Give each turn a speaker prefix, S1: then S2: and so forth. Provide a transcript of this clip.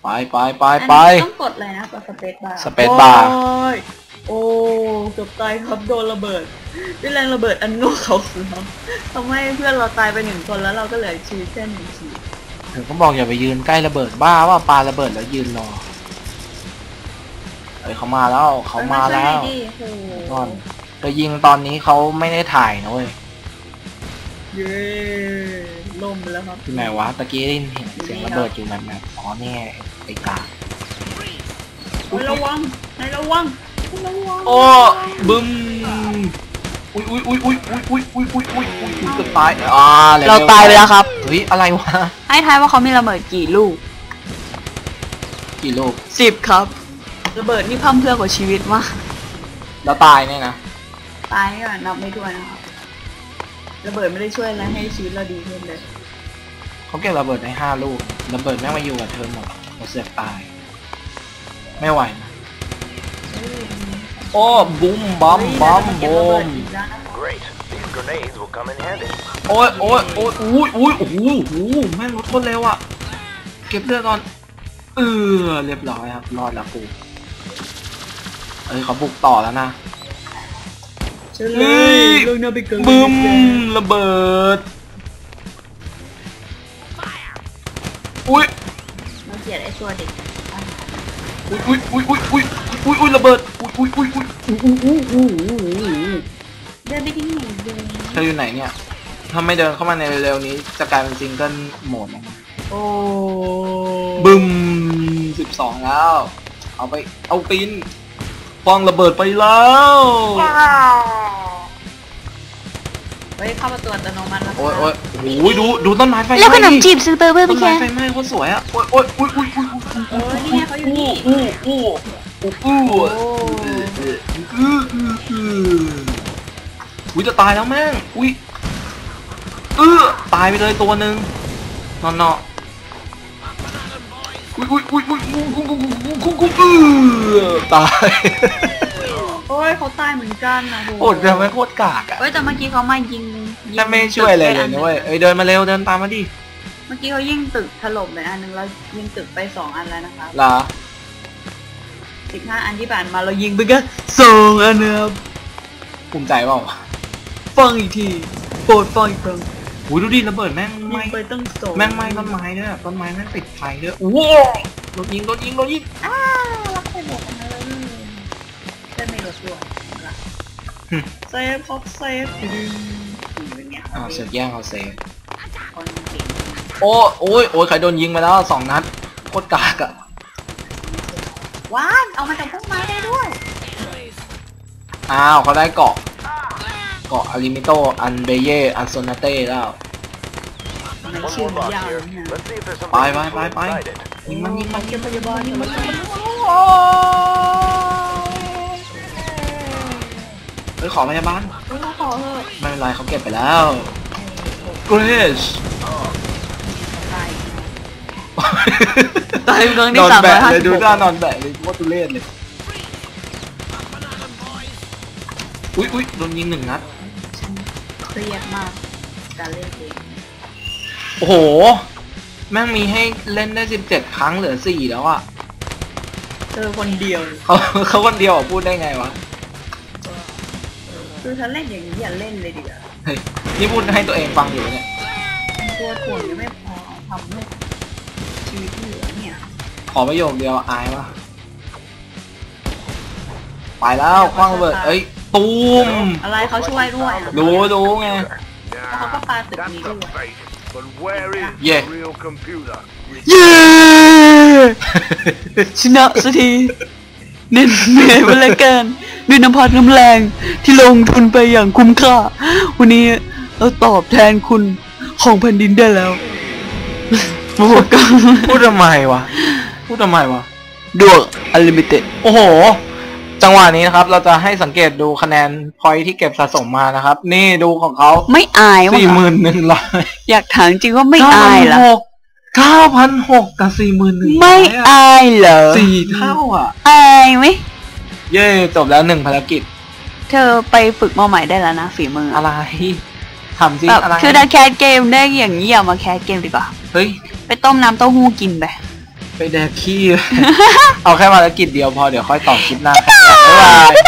S1: ไป
S2: ต้องกดเลยนะกดสเปซบาร์
S1: สเปซบาร์
S2: โอ้เกือบตายครับโดนระเบิดด้วยแรงระเบิดอันโง่เขาครับทำให้เพื่อนเราตายไป1 คนแล้วเราก็เหลือชีวิตแค่1 ชีวิต
S1: ถึงก็บอกอย่าไปยืนใกล้ระเบิดบ้าว่าปาระเบิดแล้วยืนรอเขามาแล้วก่อนจะยิงตอนนี้เขาไม่ได้ถ่ายนะเว้ย
S2: เย้ล่มไปแล้วครับ
S1: ที่ไหนวะตะกี้ได้ยินเสียงระเบิดอยู่แบบอ๋อเนี่ยไอ้กา
S2: ระวัง
S1: โอ้บึ้มอุ้ยจะตาย
S2: เราตายไปแล้วครับ
S1: เฮ้ยอะไรวะ
S2: ให้ทายว่าเขามีระเบิดกี่ลูก10ครับระเบิดนี่พั่มเพรื่อกว่าชีวิตมาก
S1: แล้วตายเนี่ยนะ
S2: ตายก่อนนับไม่ถ้วนนะครับระเบิดไม่ได้ช่วยอะไรให้ชีวิตเราดีขึ้นเลย
S1: เขาเก็บระเบิดได้5 ลูกระเบิดแม่งมาอยู่กับเธอหมดเราเสือกตายไม่ไหวนะโอ้บุ้มบอมโอ้ยแม่งรถคนเร็วอ่ะเก็บเลือดก่อนเรียบร้อยครับรอดแล้วกูเขาบุกต่อแล้วนะบึ้มระเบิด
S2: มาเกลียดไอ้ตัวเด็ก
S1: ระเบิด
S2: เดินไปที่ไหนเดิน
S1: เธออยู่ไหนเนี่ยถ้าไม่เดินเข้ามาในเร็วๆนี้จะกลายเป็นซิงเกิลโหมด
S2: โอ้
S1: บึ้ม12แล้วเอาปีนฟองระเบิดไปแล้ว
S2: เฮ้ยเข้าประตูอัตโนมัติแล้ว
S1: โอ้ยดูต้นไม้ไฟ
S2: แล้วขนมจีบซูเปอร์เบอร์ไปแค่
S1: ต้นไม้ไฟไหม้โคตรสวยอ่ะ
S2: นี่เขาอยู่นี่
S1: จะตายแล้วแม่งตายไปเลยตัวหนึ่งนอนตาย
S2: โอ้ยเขาตายเหมือนกันนะ
S1: โอ้ยทำไมโคตรกากอ่ะ
S2: แต่เมื่อกี้เขามายิง
S1: แต่ไม่ช่วยอะไรเลยนะเว้ยเดินมาเร็วเดินตามมาดิ
S2: เมื่อกี้เขายิงตึกถล่มไปอันนึงแล้วยิงตึกไป2 อันแล้วนะคะ
S1: เหรอ
S2: 15 อันที่ผ่านมาเรายิงไปกัน2 อันนะครับ
S1: ภูมิใจเปล่า
S2: ฟังอีกทีโปรดฟังอีกครั้ง
S1: ดูดิระเบิดแม่งไหม้
S2: ไปตั้ง2
S1: แม่งไหม้ต้นไม้ด้วยต้นไม้แม่งติดไฟด้วยว้าวโดนยิง
S2: รักไปหมดเลยได้ไม่รถด้วยเซฟครับเซฟ
S1: เสือกแย่งเขาเซฟโอ้ยใครโดนยิงมาแล้ว2 นัดโคตรกากอะ
S2: ว้าวเอามาจากพวกไม้ได้ด้วย
S1: เขาได้เกาะอาริมิโตอันเบเยอันโซนาเต้แล้ว
S2: ชื่อยาว
S1: ไปยิงมัน
S2: เก็บพยาบาล
S1: ขอพยาบาล
S2: ขอเถอะ
S1: ไม่เป็นไรเขาเก็บไปแล้วเกรช
S2: ตายเมืองที่
S1: 350เลยดูหน้านอนแบะเลยว่าตุเล่นเลยอุ้ยโดนยิง1 นัด
S2: เครียดมากการเล่นเกม
S1: โอ้โหแม่งมีให้เล่นได้17 ครั้งเหลือ4แล้วอ่ะ
S2: คนเดียว
S1: เขาคนเดียวพูดได้ไงวะ
S2: คือถ้าเล่นอย่างนี้อย่าเล่นเลยดีกว่า
S1: เฮ้ยนี่พูดให้ตัวเองฟังอยู่เนี่ย
S2: ตัวถ่วงยังไม่พอทำให้ชีวิตเหลือเนี่ย
S1: ขอประโยคเดียวอายวะไปแล้วคว้างระเบิดตูม
S2: อะไรเขาช่วยด้วย
S1: ดูไง
S2: เขาก็ปาตึกนี้ด้วย
S1: เย้
S2: ชนะสักทีเหนื่อยมาแล้วกันด้วยน้ำพักน้ำแรงที่ลงทุนไปอย่างคุ้มค่าวันนี้เราตอบแทนคุณของแผ่นดินได้แล้ว
S1: พูดทำไมวะ
S2: ดวงอลิมิเต็ด
S1: โอ้โหจังหวะนี้นะครับเราจะให้สังเกตดูคะแนนพอยที่เก็บสะสมมานะครับนี่ดูของเขา
S2: ไม่อายว่ะ
S1: 41,100
S2: อยากถามจริงว่าไม่อายเหรอ
S1: 9,600กับ41,000
S2: ไม่อายเหรอ
S1: 4 เท่าอ่ะ
S2: อายไหม
S1: เย้จบแล้ว1 ภารกิจ
S2: เธอไปฝึกมาใหม่ได้แล้วนะฝีมือ
S1: อะไรทำจริง
S2: อะไรคือถ้าแคสเกมได้อย่างนี้อย่ามาแคสเกมดีกว่า
S1: เฮ้ย
S2: ไปต้มน้ำเต้าหู้กินไป
S1: ไปแดกขี้ เอาแค่ภารกิจเดียวพอเดี๋ยวค่อยต่อคลิปหน้าครับบ๊ายบาย